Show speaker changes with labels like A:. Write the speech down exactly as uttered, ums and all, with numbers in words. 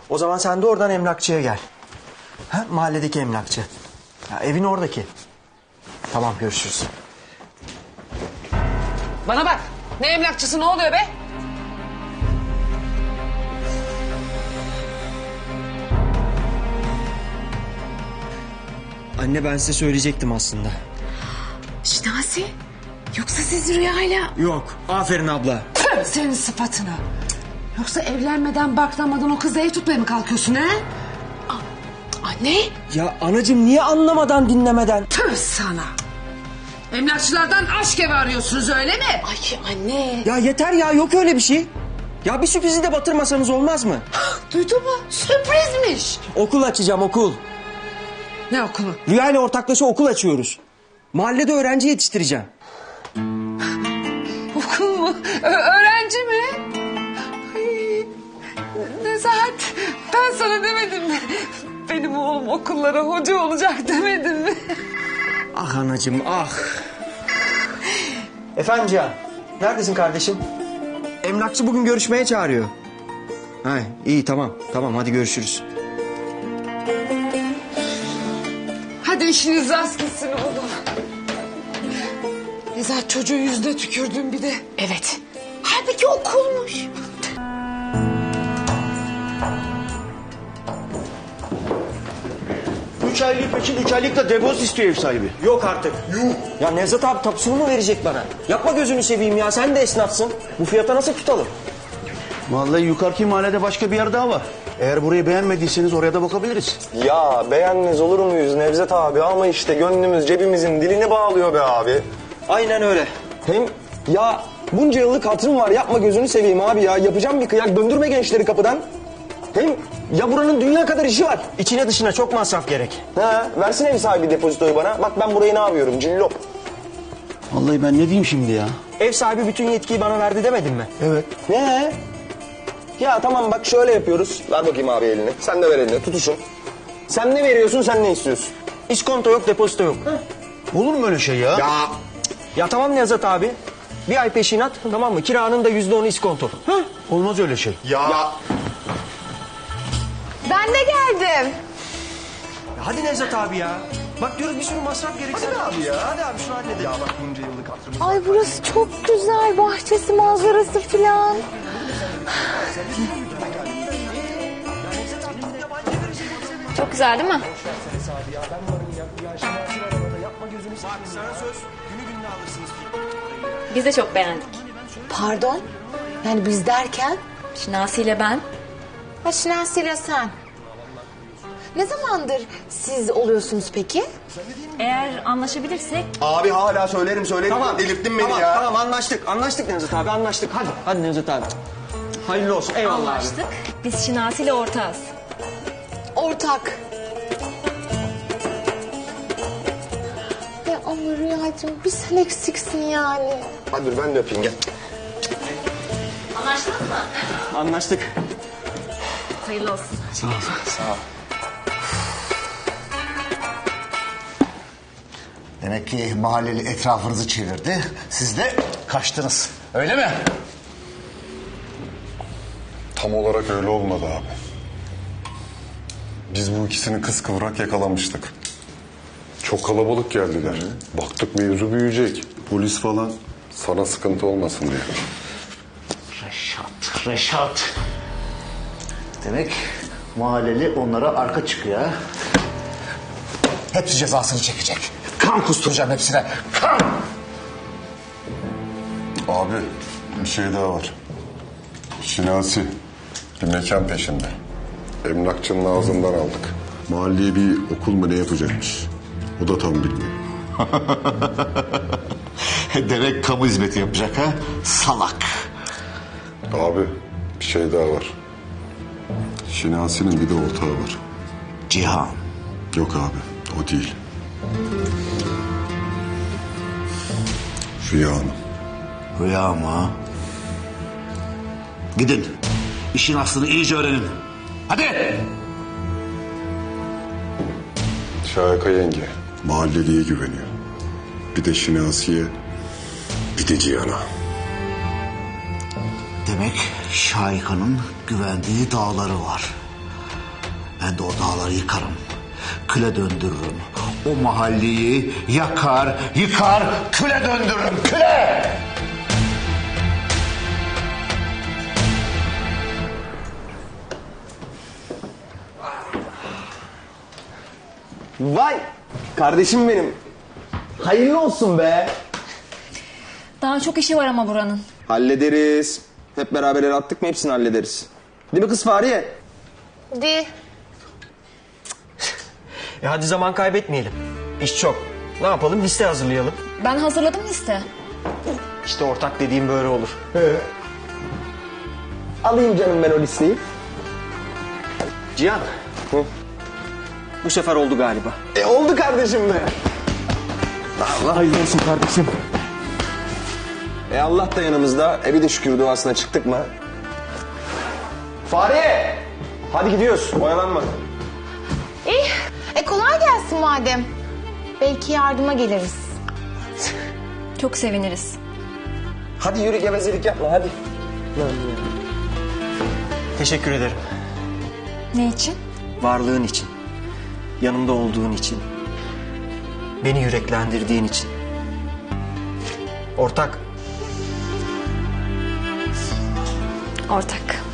A: O zaman sen de oradan emlakçıya gel. Ha, mahalledeki emlakçı. Ya, evin oradaki. Tamam, görüşürüz.
B: Bana bak. Ne emlakçısı, ne oluyor be?
A: Anne, ben size söyleyecektim aslında.
B: Şinasi. Yoksa siz rüyayla...
A: Yok, aferin abla.
B: Tüh, senin sıfatına. Yoksa evlenmeden baklamadan o kızla ev tutmaya mı kalkıyorsun ha? Anne.
A: Ya anacığım, niye anlamadan dinlemeden?
B: Tüh sana. Emlakçılardan aşk evi arıyorsunuz, öyle mi? Ay anne.
A: Ya yeter ya, yok öyle bir şey. Ya bir sürprizi de batırmasanız olmaz mı?
B: Duydun mu? Sürprizmiş.
A: Okul açacağım, okul.
B: Ne okulu?
A: Rüya ile ortaklaşa okul açıyoruz. Mahallede öğrenci yetiştireceğim.
B: Okul mu? Ö- öğrenci mi? Ay, Nezahat, ben sana demedim mi? Benim oğlum okullara hoca olacak demedim mi?
A: Ah anacığım, ah. Efendim Cihan, neredesin kardeşim? Emlakçı bugün görüşmeye çağırıyor. Ha, iyi tamam, tamam hadi görüşürüz.
B: Hadi işiniz rast gitsin oğlum. Nezahat, çocuğu yüzüne tükürdün bir de. Evet. Halbuki okulmuş.
C: Üç aylık peşin, üç aylıkta depozit istiyor ev sahibi.
A: Yok artık. Yuh. Ya Nevzat abi tapusunu mu verecek bana? Yapma gözünü seveyim ya, sen de esnafsın. Bu fiyata nasıl tutalım?
C: Vallahi yukarıki mahallede başka bir yer daha var. Eğer burayı beğenmediyseniz oraya da bakabiliriz.
D: Ya beğenmez olur muyuz Nevzat abi, ama işte gönlümüz cebimizin dilini bağlıyor be abi.
A: Aynen öyle.
D: Hem ya bunca yıllık hatırım var, yapma gözünü seveyim abi ya. Yapacağım bir kıyak, döndürme gençleri kapıdan. Hem ya buranın dünya kadar işi var.
A: İçine dışına çok masraf gerek.
D: Ha, versin ev sahibi depozitoyu bana. Bak ben burayı ne yapıyorum, cillop.
C: Vallahi ben ne diyeyim şimdi ya?
A: Ev sahibi bütün yetkiyi bana verdi demedin mi?
C: Evet.
D: Ne? Ya tamam bak şöyle yapıyoruz. Ver bakayım abi elini. Sen de ver elini, tutuşun. Sen ne veriyorsun, sen ne istiyorsun?
A: İskonto yok, depozito yok.
C: Olur mu öyle şey ya?
D: Ya
A: Ya tamam Nevzat abi. Bir ay peşinat, tamam mı? Kiranın da yüzde onu iskonto.
C: Hah, olmaz öyle şey.
D: ya. ya.
E: Ben de geldim.
A: Ya hadi Nevzat abi ya. Bak diyoruz bir sürü masraf gerekse. Hadi abi ya. Hadi abi şunu halledelim. Ya bak bunca yıllık hatırımız.
E: Ay burası çok güzel. Bahçesi, manzarası filan. Çok güzel değil mi?
F: Biz de çok beğendik.
E: Pardon? Yani biz derken?
F: Şinasi ile ben.
E: Ha, Şinasi ile sen. Ne zamandır siz oluyorsunuz peki?
F: Eğer anlaşabilirsek
D: Abi hala söylerim söylerim.
A: Tamam.
D: Delirttin beni
A: tamam,
D: ya.
A: Tamam anlaştık. Anlaştık Nevzat abi, anlaştık. Hadi. Hadi Nevzat abi. Hayırlı olsun. Eyvallah abi.
F: anlaştık. Biz Şinasi ile ortağız.
E: Ortak. Ya ama Rüyacığım bir sen eksiksin yani.
D: Hadi dur ben de öpeyim gel.
F: Anlaştık mı?
A: Anlaştık.
F: Hayırlı olsun.
A: Sağ ol.
D: Sağ ol.
G: Demek ki mahalleli etrafınızı çevirdi. Siz de kaçtınız. Öyle mi?
H: Tam olarak öyle olmadı abi. Biz bu ikisini kıskıvrak yakalamıştık. Çok kalabalık geldiler. Baktık mevzu büyüyecek. Polis falan sana sıkıntı olmasın diye.
G: Reşat, Reşat. Demek mahalleli onlara arka çıkıyor ha? Hepsi cezasını çekecek. Kan kusturacağım hepsine. Kan!
H: Abi bir şey daha var. Şinasi bir mekan peşinde. Emlakçının ağzından aldık. Mahalleye bir okul mu ne yapacakmış. O da tam bilmiyor.
G: Demek kamu hizmeti yapacak ha? Salak.
H: Abi bir şey daha var. Şinasi'nin bir de ortağı var.
G: Cihan.
H: Yok abi o değil. Rüya Hanım.
G: Rüya mı? Gidin. İşin aslını iyice öğrenin. Hadi.
H: Şahika yenge mahalleliye güveniyor. Bir de Şinasi'ye, bir de Cihan'a.
G: Demek Şahika'nın güvendiği dağları var. Ben de o dağları yıkarım. Küle döndürürüm. O mahalleyi yakar, yıkar, küle döndürürüm. Küle!
D: Vay kardeşim benim. Hayırlı olsun be.
F: Daha çok işi var ama buranın.
D: Hallederiz. Hep beraber el attık mı hepsini hallederiz. Değil mi kız Fahriye?
E: Di.
A: E hadi zaman kaybetmeyelim. İş çok. Ne yapalım? Liste hazırlayalım.
F: Ben hazırladım liste.
A: İşte ortak dediğim böyle olur.
D: Alayım canım ben o listeyi.
A: Cihan.
D: Hı.
A: Bu sefer oldu galiba.
D: E oldu kardeşim be. Allah hayırlı olsun kardeşim. E Allah da yanımızda. E bir de şükür duasına çıktık mı? Fahriye! Hadi gidiyoruz. Oyalanma.
E: İyi. E kolay gelsin madem. Belki yardıma geliriz.
F: Çok seviniriz.
D: Hadi yürü gevezelik yapma hadi.
A: Teşekkür ederim.
F: Ne için?
A: Varlığın için. Yanımda olduğun için. Beni yüreklendirdiğin için. Ortak.
F: Ortak.